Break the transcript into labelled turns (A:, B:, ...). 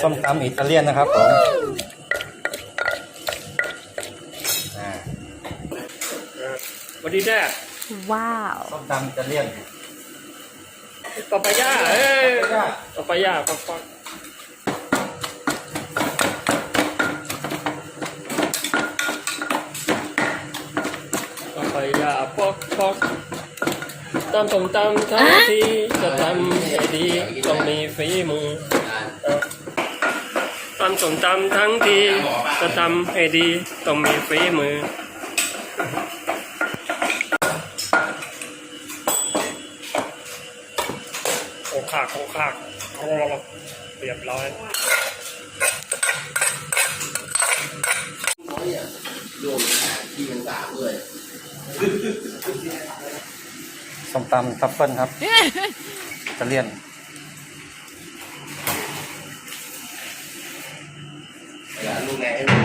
A: ส้มตำอิตาเลียนนะครับผม
B: สวัสดีแด้
C: ว้าว
A: ส้มตำอิตาเลียน
B: ปาปายาปาปายาปาปาปาปายาปอกปอกตำส้มตำทั้งทีจะทำให้ดีต้องมีฝีมือตำส้มตำทั้งทีจะทำให้ดีต้องมีฝีมือโอ้ขากเรียบร้อย
D: รวมที่เป็นสามเลย
A: ส้มตำทัฟเฟิลครับอิตาเลียน
D: เวลาลูกแม่ให้